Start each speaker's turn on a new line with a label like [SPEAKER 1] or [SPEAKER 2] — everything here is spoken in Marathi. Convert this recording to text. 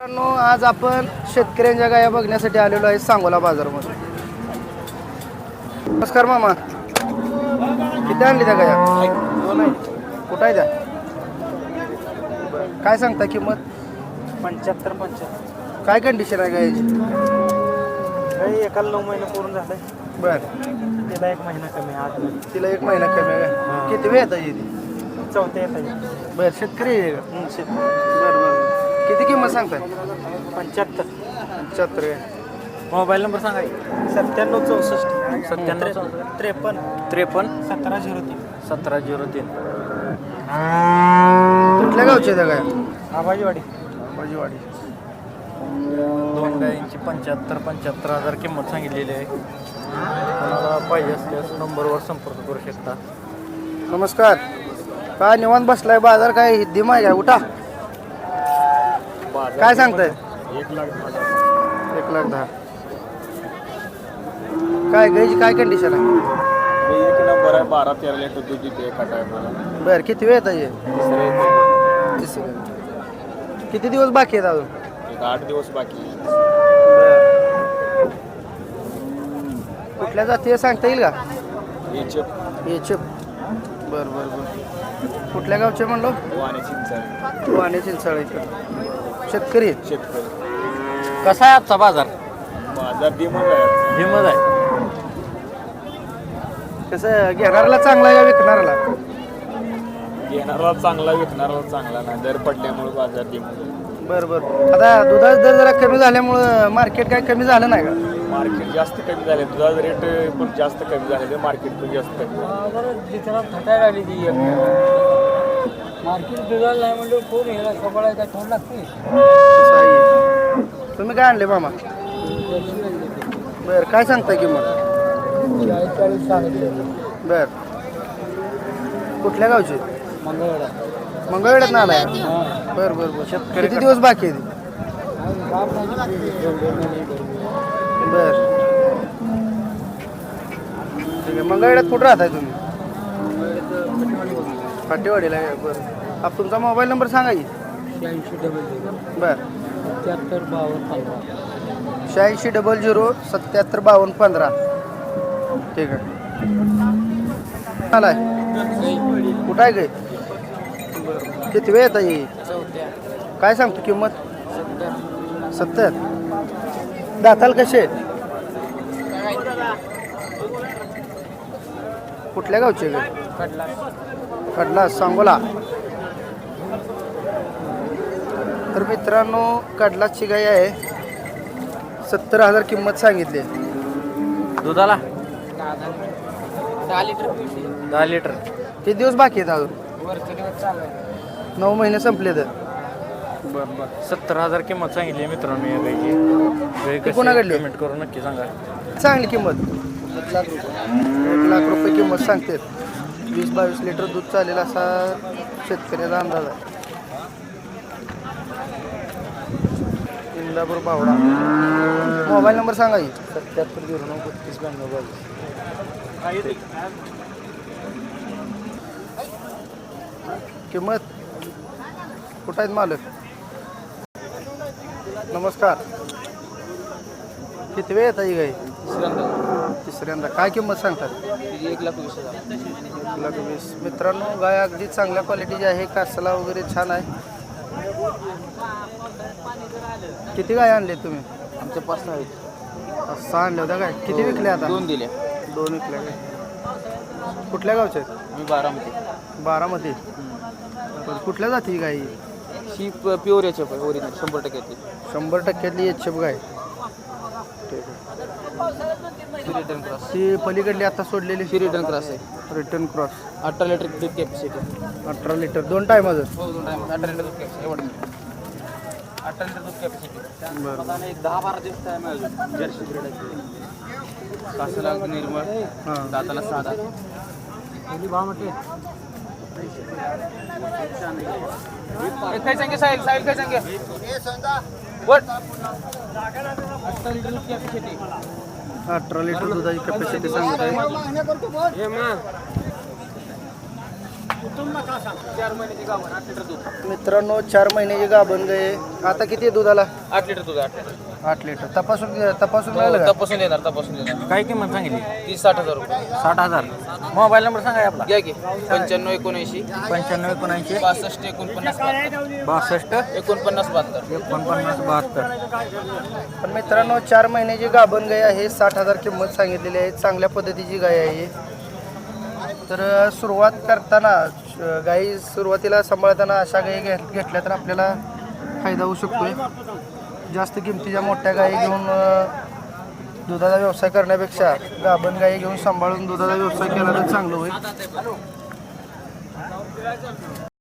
[SPEAKER 1] मित्रांनो, आज आपण शेतकऱ्यांच्या गाया बघण्यासाठी आलेलो आहे सांगोला बाजारामध्ये. नमस्कार मामा, किती आणली त्या गाया? दोन आहे. कुठं आहे त्या? काय सांगता किंमत?
[SPEAKER 2] 75.
[SPEAKER 1] काय कंडिशन आहे गायाची?
[SPEAKER 2] काही एकाला 9 महिने पूर्ण झाले.
[SPEAKER 1] बर,
[SPEAKER 2] तिला 1 महिना कमी आहे आज.
[SPEAKER 1] तिला 1 महिना कमी आहे का?
[SPEAKER 2] हां.
[SPEAKER 1] किती वेळ येतात ती?
[SPEAKER 2] चौथ्या येतात.
[SPEAKER 1] बर, शेतकरी आहे का? बरं बरं. किती किंमत सांगताय?
[SPEAKER 2] 75.
[SPEAKER 1] 75 आहे.
[SPEAKER 2] मोबाईल नंबर सांगा. 97 64
[SPEAKER 1] 97
[SPEAKER 2] 53
[SPEAKER 1] 53
[SPEAKER 2] 1703.
[SPEAKER 1] 1703. कुठल्या गावचे त्या गाया?
[SPEAKER 2] आबाजीवाडी.
[SPEAKER 1] बाजीवाडी.
[SPEAKER 3] दोन गायींची 75 हजार किंमत सांगितलेली आहे. कोणाला पाहिजे असल्यास नंबरवर संपर्क करू शकता.
[SPEAKER 1] नमस्कार. काय निवांत बसलाय? बाजार काय दिमा आहे काय? उठा. काय सांगताय? 1,10,000. काय गायची काय कंडिशन आहे?
[SPEAKER 4] 1 नंबर आहे. 12-13 लिटर दूध देते एका टायमाला.
[SPEAKER 1] बरं, किती वेळ येत आहे?
[SPEAKER 4] तिसरे
[SPEAKER 1] किती दिवस बाकी आहेत अजून?
[SPEAKER 4] एक 8 दिवस बाकी आहे.
[SPEAKER 1] कुठल्या जाती आहे सांगता येईल का?
[SPEAKER 4] याचे
[SPEAKER 1] एचएफ. बरं बरं बरं. कुठल्या गावचे म्हणलो?
[SPEAKER 4] वाणे चिंचण
[SPEAKER 1] वाणे चिंचाळीकर. शेतकरी आहेत.
[SPEAKER 4] शेतकरी.
[SPEAKER 3] कसा आहे आजचा बाजार?
[SPEAKER 4] बाजार दिमत आहे.
[SPEAKER 3] हिमत आहे.
[SPEAKER 1] कसं घेणाऱ्याला चांगला आहे का विकणाऱ्याला?
[SPEAKER 4] घेणारा चांगला, विकणारा चांगला नाही. दर पडल्यामुळे बाजार दिमत आहे.
[SPEAKER 1] बरं बरं. आता दुधाचा दर जरा कमी झाल्यामुळं मार्केट काय कमी झालं नाही का?
[SPEAKER 4] मार्केट जास्त कमी झाले. दुधाचा रेट पण जास्त कमी झाले. मार्केट पण जास्त कमी झाले.
[SPEAKER 2] मार्केट दुधाला नाही म्हणजे कोण यायला सगळं थोडं लागते.
[SPEAKER 1] तसं आहे. तुम्ही काय आणले मामा? बरं, काय सांगताय किंमत?
[SPEAKER 2] 40 सांगितले.
[SPEAKER 1] बरं. कुठल्या गावचे?
[SPEAKER 2] मंगळवेढा.
[SPEAKER 1] मंगळवेढ्यात ना आलाय? बरं बरं बरं. किती दिवस बाकी आहे? बर, ठीक आहे. मंगळवेढ्यात कुठं राहताय तुम्ही? फाटेवाडीला आहे. बरं. आप तुमचा मोबाईल नंबर सांगा की.
[SPEAKER 2] 8600
[SPEAKER 1] बरं.
[SPEAKER 2] 77 52 15.
[SPEAKER 1] 8600 77 52 15. ठीक आहे. आलाय कुठं आहे गे? बरं. किती वेळ येता येईल? काय सांगतो किंमत? 70. दाताल कसे आहेत? कुठल्या गावचे गे? कडला सांगोला. तर मित्रांनो, कडलाची गाय आहे. 70,000 किंमत सांगितली.
[SPEAKER 3] दुधाला
[SPEAKER 2] 10 लिटर.
[SPEAKER 3] 10 लिटर.
[SPEAKER 1] किती दिवस बाकी आहेत अजून? 9 महिने संपले तर.
[SPEAKER 3] बरं बरं. 70,000 किंमत सांगितली आहे मित्रांनो या गायची.
[SPEAKER 1] ती कोणाकडली?
[SPEAKER 3] पेमेंट करून नक्की सांगा.
[SPEAKER 1] चांगली किंमत. 1,00,000 रुपये किंमत सांगते. 20-22 लिटर दूध चालेल असा शेतकऱ्याचा अंदाज आहे. इंदापूर पावडा. मोबाईल नंबर सांगा की.
[SPEAKER 2] 77 09 32 92.
[SPEAKER 1] किंमत कुठं आहेत मालक? नमस्कार. किती वेळ येत आहे गाई? तिसऱ्यांदा. काय किंमत सांगतात?
[SPEAKER 2] 1,20,000.
[SPEAKER 1] 1,20,000. मित्रांनो, गाय अगदी चांगल्या क्वालिटीची आहे. कासला वगैरे छान आहे. किती गाय आणले तुम्ही?
[SPEAKER 2] आमच्या 5 आहेत.
[SPEAKER 1] 6 आणल्या होत्या काय? किती विकल्या आता?
[SPEAKER 2] 2 दिल्या.
[SPEAKER 1] 2 विकल्या काय? कुठल्या गावच्या आहेत?
[SPEAKER 2] मी 12मध्ये.
[SPEAKER 1] 12मध्ये. बरं. कुठल्या जाती गाई?
[SPEAKER 2] ही प्युअर याच्या ओरिजिनल 100% ती.
[SPEAKER 1] 100% एचएफ गाय. ठीक आहे.
[SPEAKER 2] Return cross.
[SPEAKER 1] ती पलीकडली आता सोडलेली
[SPEAKER 2] ही रिटर्न क्रॉस आहे.
[SPEAKER 1] Return cross.
[SPEAKER 2] 18 लिटर दूध कॅपॅसिटी.
[SPEAKER 1] 18 लिटर 2 टायमाचं.
[SPEAKER 2] हो 2 टाइम 18 लिटर दूध कॅपॅसिटी. एवढं 18 लिटर दूध कॅपॅसिटी.
[SPEAKER 1] बरं.
[SPEAKER 2] आता एक 10-12 दिवस टाइम आहे अजून. जर्सी ब्रीड आहे. कासला निर्मळ.
[SPEAKER 1] हां.
[SPEAKER 2] दाताला साधा. पहिली भाव म्हटले. काय सांगे साहिल काय सांगे? वर 18 लिटर दूध कॅपॅसिटी.
[SPEAKER 1] 18 लिटर दुधाची कॅपॅसिटी सांगत आहे.
[SPEAKER 2] 4 महिन्याची गाभण 8 लिटर दूध.
[SPEAKER 1] मित्रांनो 4 महिन्याची गाभण गाय आता किती आहे दुधाला?
[SPEAKER 2] 8 लिटर दूध 8 लिटर.
[SPEAKER 1] 8 लिटर. तपासून मिळालं का?
[SPEAKER 2] तपासून देणार.
[SPEAKER 3] काय किंमत सांगितली?
[SPEAKER 2] 30-60 हजार रुपये.
[SPEAKER 3] 60,000. मोबाईल नंबर सांगा आपला.
[SPEAKER 2] घ्या की 95-79
[SPEAKER 3] 95 79
[SPEAKER 2] 62-49
[SPEAKER 3] 62
[SPEAKER 2] 72
[SPEAKER 3] 49 72.
[SPEAKER 1] पण मित्रांनो 4 महिन्याची गाभण गाय आहे. 60,000 किंमत सांगितलेली आहे. चांगल्या पद्धतीची गाय आहे. तर सुरुवात करताना गाई सुरुवातीला सांभाळताना अशा गाई घेतल्या तर आपल्याला फायदा होऊ शकतोय. जास्त किमतीच्या मोठ्या गाई घेऊन दुधाचा व्यवसाय करण्यापेक्षा गाभण गाई घेऊन सांभाळून दुधाचा व्यवसाय केला तर चांगलं होईल.